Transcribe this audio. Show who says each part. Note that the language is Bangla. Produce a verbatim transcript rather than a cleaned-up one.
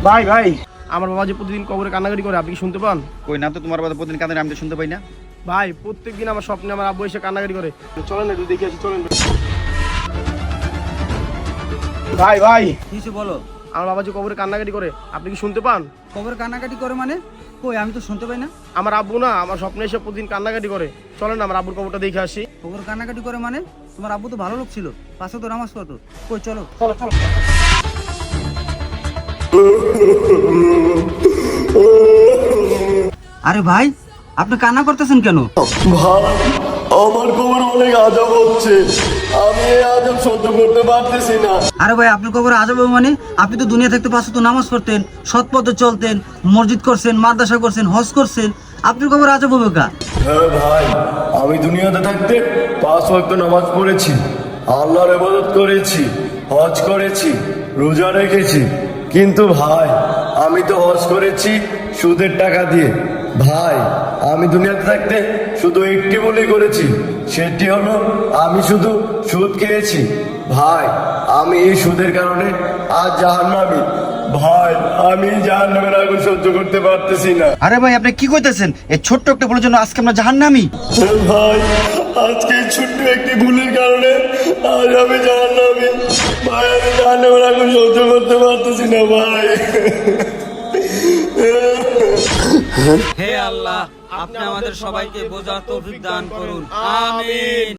Speaker 1: ভাই ভাই আমার বাবা যে প্রতিদিন কবরে কান্নাকাটি করে, আপনি কি শুনতে পান?
Speaker 2: কই না তো, তোমার বাবা প্রতিদিন কাঁদে, আমি তো শুনতে পাই না।
Speaker 1: ভাই প্রত্যেকদিন আমার স্বপ্নে আমার আব্বু এসে কান্নাকাটি করে। চলেন একটু দেখে আসি, চলেন। ভাই ভাই
Speaker 3: কিছু বলো।
Speaker 1: আমার বাবা যে কবরে কান্নাকাটি করে, আপনি কি শুনতে পান?
Speaker 3: খবর কানাকাটি করে মানে? কই, আমি তো শুনতে পাই না।
Speaker 1: আমার আব্বু না আমার স্বপ্নে এসে প্রতিদিন কান্নাকাটি করে। চলেন আমার আব্বুর কবরটা দেখে আসি।
Speaker 3: খবর কানাকাটি করে মানে? তোমার আব্বু তো ভালো লোক ছিল, পাশে তো নামাজ পড়তো। কই চলো।
Speaker 1: চলো চলো।
Speaker 3: আরে ভাই, আপনি কান্না করতেছেন কেন?
Speaker 4: ভাই আমার কোমর অনেক আজব হচ্ছে, আমি এই আজব সহ্য করতে পারতেছি না।
Speaker 3: আরে ভাই, আপনার কবরে আজব হবে মানে? আপনি তো দুনিয়া থাকতে পাশে তো নামাজ পড়তেন, সৎ পথে চলতেন, মসজিদ করছেন, মাদ্রাসা করছেন, হজ করছেন, আপনার কবরে আজব হবে কা?
Speaker 4: হ্যাঁ ভাই, আমি দুনিয়াতে থাকতে পাঁচ ওয়াক্ত নামাজ পড়েছি, আল্লাহর ইবাদত করেছি, হজ করেছি, রোজা রেখেছি। কিন্তু ভাই আমি তো হজ করেছি সুদের টাকা দিয়ে। ভাই আমি দুনিয়াতে থাকতে শুধু একটি ভুলই করেছি, সেটি হলো আমি শুধু সুদ খেয়েছি। ভাই আমি এই সুদের কারণে আজ জাহান্নামী। ভাই আমি জাহান্নামের আগুন সহ্য করতে পারতেছি না।
Speaker 2: আরে ভাই আপনি কি কইতেছেন? এই ছোট্ট একটা বলার জন্য আজকে আমরা জাহান্নামী?
Speaker 4: ভাই আজকে এই ছোট্ট একটি ভুলের কারণে আজ আমি জাহান্নামী। ভাই আমি জাহান্নামের আগুন সহ্য করতে পারতেছি না ভাই।
Speaker 3: হে আল্লাহ, আপনি আমাদের সবাইকে বোঝার তৌফিক দান করুন। আমিন।